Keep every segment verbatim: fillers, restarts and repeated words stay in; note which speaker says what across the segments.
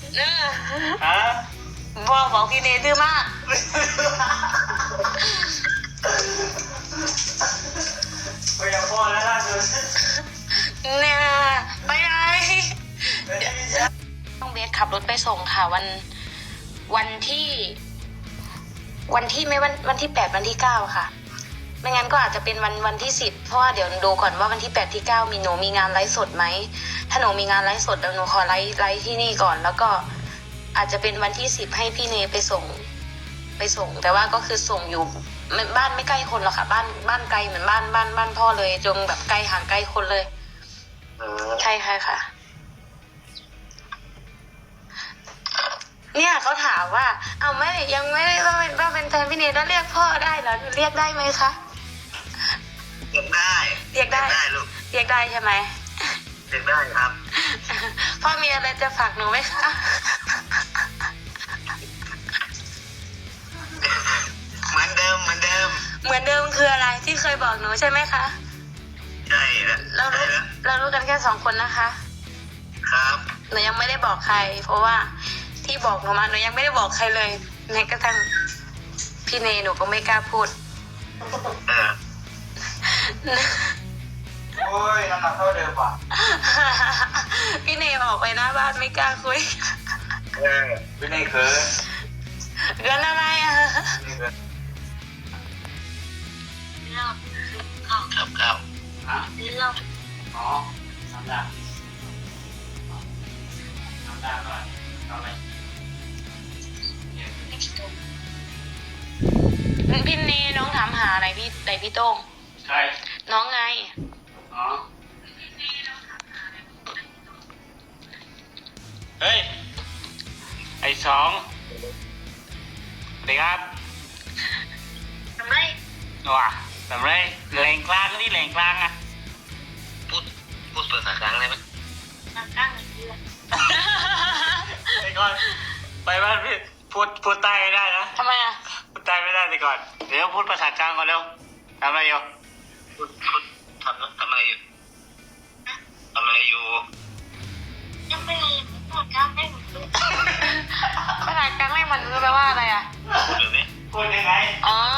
Speaker 1: เออ
Speaker 2: ฮะ
Speaker 1: พ่อบอกพี่เนยดื้อมาก
Speaker 2: ไปกับพ่อแล้วล่ะสุด
Speaker 1: เนี่ยไปไหนต้องเบสขับรถไปส่งค่ะ วันวันที่ วันที่ไม่วันวันที่แปดวันที่เก้าค่ะ ไม่งั้นก็อาจจะเป็นวันวันที่สิบเพราะว่าเดี๋ยวดูก่อนว่าวันที่แปดที่เก้ามีหนูมีงานไลฟ์สดไหมถ้าหนูมีงานไลฟ์สดเดี๋ยวหนูขอไลฟ์ไลฟ์ที่นี่ก่อน แล้วก็อาจจะเป็นวันที่สิบให้พี่เนยไปส่ง ไปส่ง แต่ว่าก็คือส่งอยู่บ้านไม่ใกล้คนหรอกค่ะ บ้านบ้านไกลเหมือนบ้านบ้านบ้านพ่อเลยจงแบบไกลห่างไกลคนเลยใช่ค่ะค่ะ เนี่ยเขาถามว่า เอาไม่ยังไม่ได้ว่าเป็นว่าเป็นแฟนพี่เนยแล้วเรียกพ่อได้เหรอเรียกได้ไหมคะ
Speaker 3: เรียกได้
Speaker 1: เรียกได้
Speaker 3: ได้ลูก
Speaker 1: เรียกได้ใช่ไหม
Speaker 3: เรียกได้ครับ
Speaker 1: พ่อมีอะไรจะฝากหนูไหมคะ
Speaker 3: เหมือนเดิมเหมือนเดิม
Speaker 1: เหมือนเดิมคืออะไรที่เคยบอกหนูใช่ไหมคะ
Speaker 3: ใช่แล้ว
Speaker 1: เรารู้
Speaker 3: ใช่แล้ว
Speaker 1: เรารู้กันแค่สองคนนะคะ
Speaker 3: ครับ
Speaker 1: หนูยังไม่ได้บอกใคร เพราะว่าที่บอกหนูมาหนูยังไม่ได้บอกใครเลยแม้กระทั่งพี่เนยหนูก็ไม่กล้าพูด
Speaker 3: เออ
Speaker 2: โอ้ยน้ำหนักเท่าเดิมว่ะ
Speaker 1: พี่เนยออกไปหน้าบ้านไม่กล้าคุย
Speaker 3: เออ
Speaker 2: ไม่ได้เขิน
Speaker 1: เรื่องอะไรอ่ะ
Speaker 2: ไม่เขิน
Speaker 3: ครับครับ
Speaker 2: ฮะอ๋อน้ำดาน้ำดาก่อนเอาไป
Speaker 1: พี่เนยน้องถามหาอะไรพี่ไหนพี่โต้ง
Speaker 2: ใคร
Speaker 1: น้องไง
Speaker 2: อ๋อเฮ้ยไอ้สองสวัสดีครับ
Speaker 1: ทำไม
Speaker 2: ว้าทำไรแหล่งกลางนี่แหล่งกลางอะ
Speaker 3: พูดพูดภาษากลางได้ไหม
Speaker 1: มาตั้งเดือน
Speaker 2: ไอ้ก่อนไปบ้านพี่พูดพูดใต้ไม่ได้นะ
Speaker 1: ทำไมอ่ะ
Speaker 2: พูดใต้ไม่ได้แต่ก่อนเดี๋ยวพูดภาษากลางก่อนเร็วทำอะไรอยู่
Speaker 3: พูดพูดทำทำอะไรอยู่ทำอะไรอยู่
Speaker 4: ยังไม่เลยพูดกลางได้หมดเลย
Speaker 1: ภาษากลางไม่มันรู้แปลว่าอะไรอ่ะ
Speaker 3: พูดแบบนี้
Speaker 2: พูดยังไง
Speaker 1: อ๋อ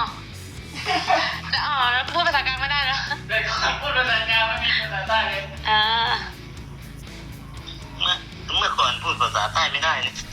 Speaker 1: แล้วอ๋อแล้วพูดภาษากลางไม่ได้เหรอ
Speaker 2: แต่ก่อนพูดภาษากลางไม่มีภาษาใต้เลย
Speaker 1: อ่า
Speaker 3: เมื่อเมื่อก่อนพูดภาษาใต้ไม่ได้เลย